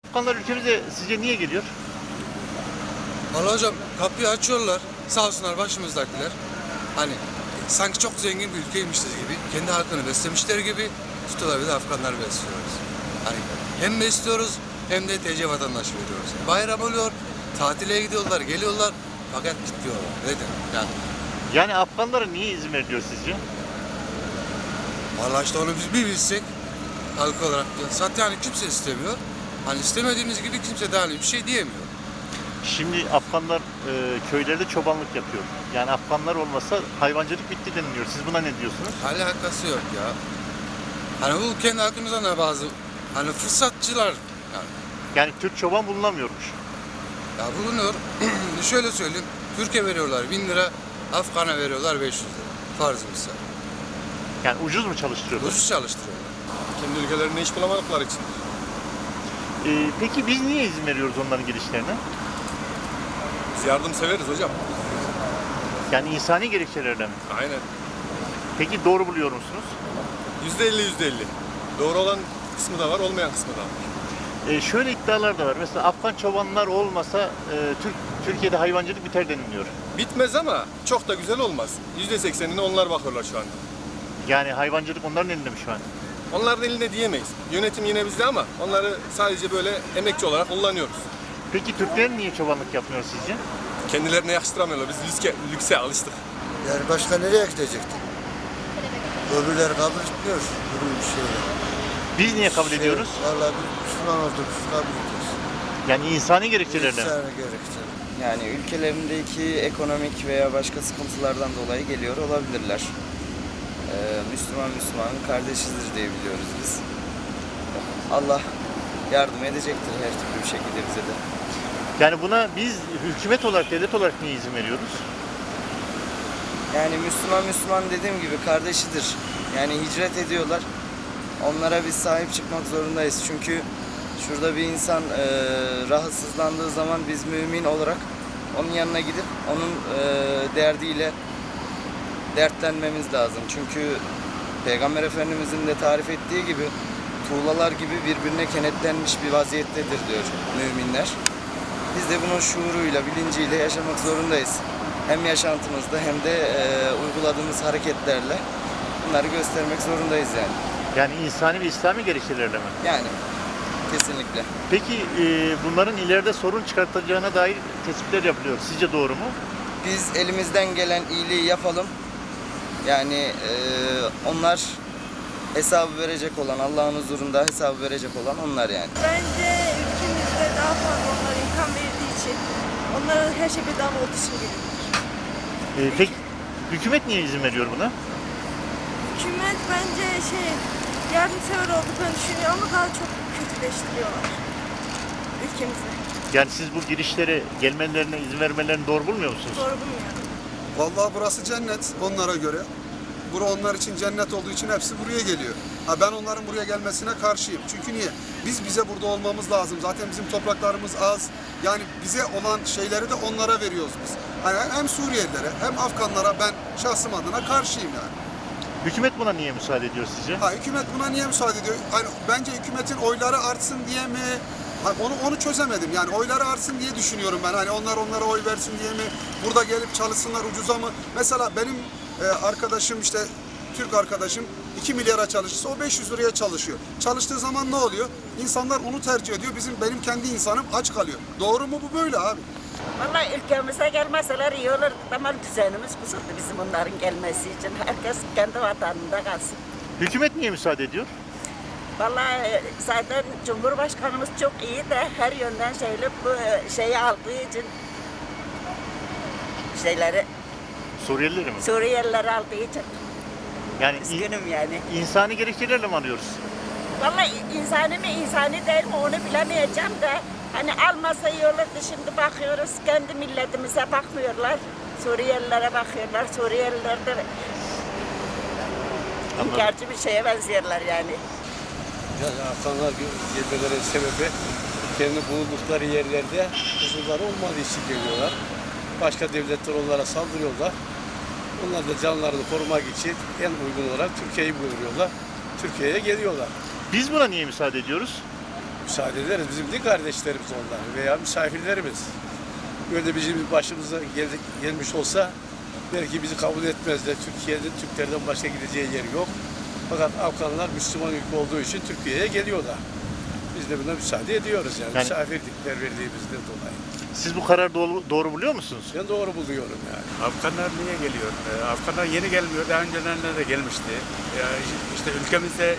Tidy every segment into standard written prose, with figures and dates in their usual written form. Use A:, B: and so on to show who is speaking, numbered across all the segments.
A: Afganlar ülkemize sizce niye geliyor?
B: Vallahi hocam kapıyı açıyorlar. Sağ olsunlar başımızdakiler. Hani sanki çok zengin bir ülkeymişiz gibi. Kendi halkını beslemişler gibi tutuyorlar, bir de Afganlar besliyoruz. Hani hem besliyoruz hem de TC vatandaş veriyoruz. Bayram oluyor, tatile gidiyorlar, geliyorlar fakat gidiyorlar. Neden?
A: Yani Afganlara niye izin veriliyor sizce?
B: Vallahi işte onu biz bir bilsek halk olarak zaten yani kimse istemiyor. Hani istemediğimiz gibi kimse de hani bir şey diyemiyor.
A: Şimdi Afganlar köylerde çobanlık yapıyor. Yani Afganlar olmasa hayvancılık bitti deniliyor. Siz buna ne diyorsunuz?
B: Alakası yok ya. Hani bu kendi halkımızdan da bazı hani fırsatçılar yani.
A: Yani Türk çoban bulunamıyormuş.
B: Ya bulunuyor. Şöyle söyleyeyim. Türkiye veriyorlar 1000 lira, Afgan'a veriyorlar 500 lira. Farz misal.
A: Yani ucuz mu çalıştırıyorlar?
B: Ucuz çalıştırıyorlar.
C: Kendi ülkelerinde iş bulamadıkları için.
A: Peki biz niye izin veriyoruz onların gelişlerine?
C: Biz yardım severiz hocam.
A: Yani insani gerekçelerle mi?
C: Aynen.
A: Peki doğru buluyor musunuz?
C: %50. Doğru olan kısmı da var, olmayan kısmı da var.
A: Şöyle iddialar da var. Mesela Afgan çobanlar olmasa Türkiye'de hayvancılık biter deniliyor.
C: Bitmez ama çok da güzel olmaz. %80'ine onlar bakıyorlar şu anda.
A: Yani hayvancılık onların elinde mi şu an?
C: Onların elinde diyemeyiz. Yönetim yine bizde ama onları sadece böyle emekçi olarak kullanıyoruz.
A: Peki Türkler niye çobanlık yapmıyor sizce?
C: Kendilerine yakıştıramıyorlar. Biz lükse alıştık.
D: Yani başka nereye gidecekti? Öbürleri kabul etmiyor. Böyle bir şey.
A: Biz niye kabul ediyoruz?
D: Vallahi biz Müslüman olduk, kabul ediyoruz.
A: Yani insani gerekçelerle mi?
D: İnsana gerekçe.
E: Yani ülkelerindeki ekonomik veya başka sıkıntılardan dolayı geliyor olabilirler. Müslümanın kardeşidir diye biliyoruz biz. Allah yardım edecektir her türlü bir şekilde bize de.
A: Yani buna biz hükümet olarak, devlet olarak niye izin veriyoruz?
E: Yani Müslüman dediğim gibi kardeşidir. Yani hicret ediyorlar. Onlara biz sahip çıkmak zorundayız. Çünkü şurada bir insan rahatsızlandığı zaman biz mümin olarak onun yanına gidip onun derdiyle dertlenmemiz lazım. Çünkü Peygamber Efendimizin de tarif ettiği gibi tuğlalar gibi birbirine kenetlenmiş bir vaziyettedir diyor müminler. Biz de bunun şuuruyla, bilinciyle yaşamak zorundayız. Hem yaşantımızda hem de uyguladığımız hareketlerle bunları göstermek zorundayız yani.
A: Yani insani ve İslami gerekçelerle mi?
E: Yani kesinlikle.
A: Peki bunların ileride sorun çıkartacağına dair tespitler yapılıyor. Sizce doğru mu?
E: Biz elimizden gelen iyiliği yapalım. Yani onlar hesabı verecek olan, Allah'ın huzurunda hesabı verecek olan onlar yani.
F: Bence ülkemizde daha fazla onlara imkan verildiği için, onlara her şey bedava olduğu için geliyor.
A: Peki hükümet niye izin veriyor buna?
F: Hükümet bence yardımsever olduklarını düşünüyor ama daha çok kötüleştiriyorlar ülkemizi.
A: Yani siz bu girişlere gelmelerine izin vermelerini doğru bulmuyor musunuz?
F: Doğru bulmuyorum.
G: Vallahi burası cennet onlara göre. Bura onlar için cennet olduğu için hepsi buraya geliyor. Ha ben onların buraya gelmesine karşıyım. Çünkü niye? Bize burada olmamız lazım. Zaten bizim topraklarımız az. Yani bize olan şeyleri de onlara veriyoruz biz. Hani hem Suriyelilere hem Afganlara ben şahsım adına karşıyım yani.
A: Hükümet buna niye müsaade ediyor sizce?
G: Ha hükümet buna niye müsaade ediyor? Hani bence hükümetin oyları artsın diye mi? Ha, onu çözemedim. Yani oyları artsın diye düşünüyorum ben. Hani onlara oy versin diye mi? Burada gelip çalışsınlar ucuza mı? Mesela benim arkadaşım işte Türk arkadaşım 2 milyara çalışırsa o 500 liraya çalışıyor. Çalıştığı zaman ne oluyor? İnsanlar onu tercih ediyor. Benim kendi insanım aç kalıyor. Doğru mu bu böyle abi?
H: Vallahi ülkemize gelmeseler iyi olur. Ama düzenimiz bozuldu bizim onların gelmesi için. Herkes kendi vatanında kalsın.
A: Hükümet niye müsaade ediyor?
H: Vallahi zaten Cumhurbaşkanımız çok iyi de her yönden bu şeyi aldığı için
A: Suriyelileri mi?
H: Suriyelileri aldığı için
A: Yani
H: üzgünüm yani.
A: insani gerekçelerle mi arıyoruz?
H: Vallahi insani mi insani değil mi onu bilemeyeceğim de hani almasa iyi olurdu. Şimdi bakıyoruz kendi milletimize bakmıyorlar. Suriyelilere bakıyorlar. Suriyeliler de inkarcı bir şeye benziyorlar yani.
I: Yani Afganlar gelmelerinin sebebi kendi bulundukları yerlerde huzurları olmadığı için geliyorlar. Başka devletler onlara saldırıyorlar. Onlar da canlarını korumak için en uygun olarak Türkiye'yi buyuruyorlar. Türkiye'ye geliyorlar.
A: Biz buna niye müsaade ediyoruz?
I: müsaade ederiz. Bizim de kardeşlerimiz onlar veya misafirlerimiz. Böyle bizim başımıza gelmiş olsa belki bizi kabul etmezler. Türkiye'de Türklerden başka gideceği yer yok. Fakat Afganlar Müslüman ülke olduğu için Türkiye'ye geliyorlar. Biz de buna müsaade ediyoruz yani misafirlikler verdiğimizden dolayı.
A: Siz bu kararı doğru buluyor musunuz?
I: Ben doğru buluyorum yani.
J: Afganlar niye geliyor? Afganlar yeni gelmiyor. Daha öncelerinde de gelmişti. İşte ülkemizde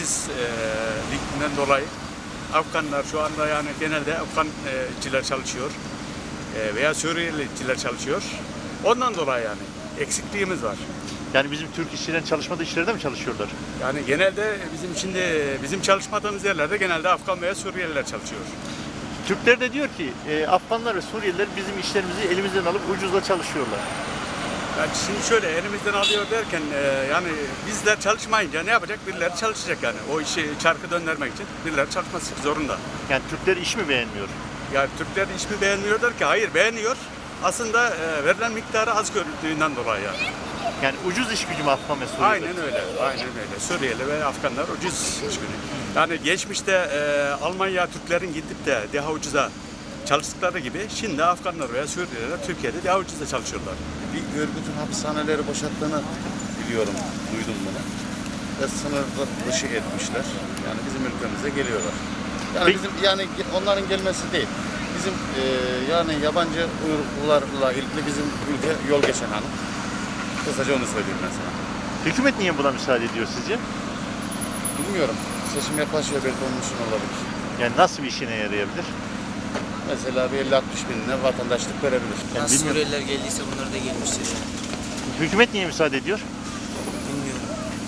J: işsizlikten dolayı Afganlar şu anda yani genelde Afgancılar çalışıyor. Veya Suriyeliler çalışıyor. Ondan dolayı yani eksikliğimiz var.
A: Yani bizim Türk işçilerin çalışmadığı işlerde mi çalışıyorlar?
J: Yani genelde bizim çalışmadığımız yerlerde genelde Afgan veya Suriyeliler çalışıyor.
A: Türkler de diyor ki Afganlar ve Suriyeliler bizim işlerimizi elimizden alıp ucuzla çalışıyorlar.
J: Yani şimdi şöyle elimizden alıyor derken yani bizler çalışmayınca ne yapacak? Birileri çalışacak yani. O işi çarkı döndürmek için birileri çalışması zorunda.
A: Yani Türkler iş mi beğenmiyor?
J: Yani Türkler iş mi beğenmiyorlar ki? Hayır beğeniyor. Aslında verilen miktarı az gördüğünden dolayı yani.
A: Yani ucuz iş gücü mü Afgan ve Suriyeliler?
J: Aynen öyle. Aynen öyle. Suriyeli ve Afganlar ucuz iş gücü. Yani geçmişte Almanya Türklerin gidip de daha ucuza çalıştıkları gibi şimdi Afganlar veya Suriyeliler Türkiye'de daha ucuza çalışıyorlar.
K: Bir örgütün hapishaneleri boşalttığını biliyorum, duydum bunu. Ve sınır dışı etmişler. Yani bizim ülkemize geliyorlar. Yani
A: Peki.
K: bizim yani onların gelmesi değil. Bizim yani yabancı uyruklularla ilgili bizim ülke yol geçen hanım. Kısaca onu söyleyeyim ben sana.
A: Hükümet niye buna müsaade ediyor sizce?
K: Bilmiyorum. Seçim yaklaşıyor, belki onun için olabilir.
A: Yani nasıl bir işine yarayabilir?
K: Mesela bir 50-60 binine vatandaşlık verebilir.
A: Yani
E: Nasıl
A: bilmiyorum.
E: Suriyeliler geldiyse bunlar da gelmiştir yani.
A: Hükümet niye müsaade ediyor?
E: Bilmiyorum.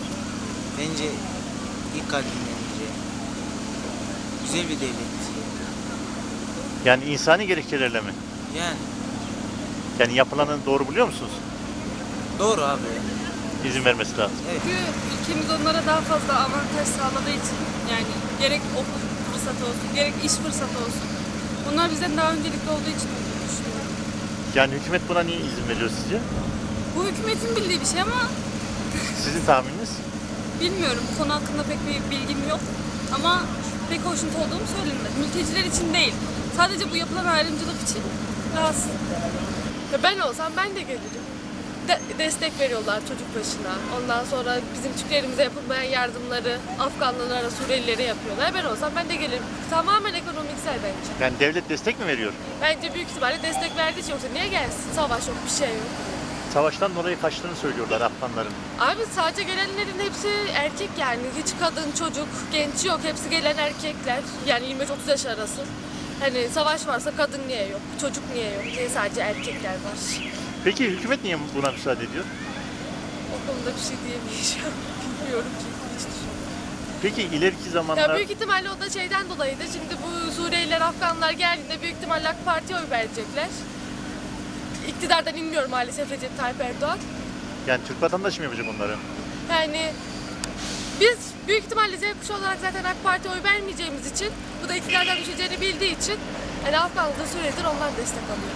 E: Bence ilk kalbinden biri. Güzel bir devlet.
A: Yani insani gerekçelerle mi?
E: Yani
A: Yani yapılanı doğru buluyor musunuz?
E: doğru abi.
A: İzin vermesi lazım.
F: Çünkü ülkemiz onlara daha fazla avantaj sağladığı için yani gerek okul fırsatı olsun, gerek iş fırsatı olsun. Onlar bizden daha öncelikli olduğu için olduğunu düşünüyorum.
A: Yani hükümet buna niye izin veriyor sizce?
F: Bu hükümetin bildiği bir şey ama
A: Sizin tahmininiz?
F: bilmiyorum. Bu konu hakkında pek bir bilgim yok. Ama pek hoşnut olduğum söylenmez. Mülteciler için değil. Sadece bu yapılan ayrımcılık için rahatsız. Ben olsam ben de gelirim. Destek veriyorlar çocuk başına. Ondan sonra bizim Türklerimize yapılmayan yardımları Afganlılara, Suriyelilere yapıyorlar. Ben olsam ben de gelirim. Tamamen ekonomiksel bence.
A: Yani devlet destek mi veriyor?
F: Bence büyük ihtimalle destek verdiği için, yoksa niye gelsin? Savaş yok, bir şey yok.
A: Savaştan dolayı kaçtığını söylüyorlar Afganların.
F: Abi sadece gelenlerin hepsi erkek yani. Hiç kadın, çocuk, genç yok. Hepsi gelen erkekler. Yani 25-30 yaş arası. Hani savaş varsa kadın niye yok? Çocuk niye yok? Niye sadece erkekler var?
A: Peki hükümet niye buna müsaade ediyor?
F: O konuda bir şey diyemeyeceğim. Bilmiyorum çünkü hiç düşünmedim.
A: Peki ileriki zamanlar...
F: Ya büyük ihtimalle o da şeyden dolayıydı. Şimdi bu Suriyeliler, Afganlar geldiğinde büyük ihtimalle AK Parti'ye oy verecekler. İktidardan inmiyor maalesef Recep Tayyip Erdoğan.
A: Yani Türk vatandaşı mı yapacak onları?
F: Yani biz büyük ihtimalle Z kuşağı olarak zaten AK Parti'ye oy vermeyeceğimiz için, bu da iktidardan düşeceğini bildiği için yani Afganlı'da Suriyeliler ondan destek alıyor.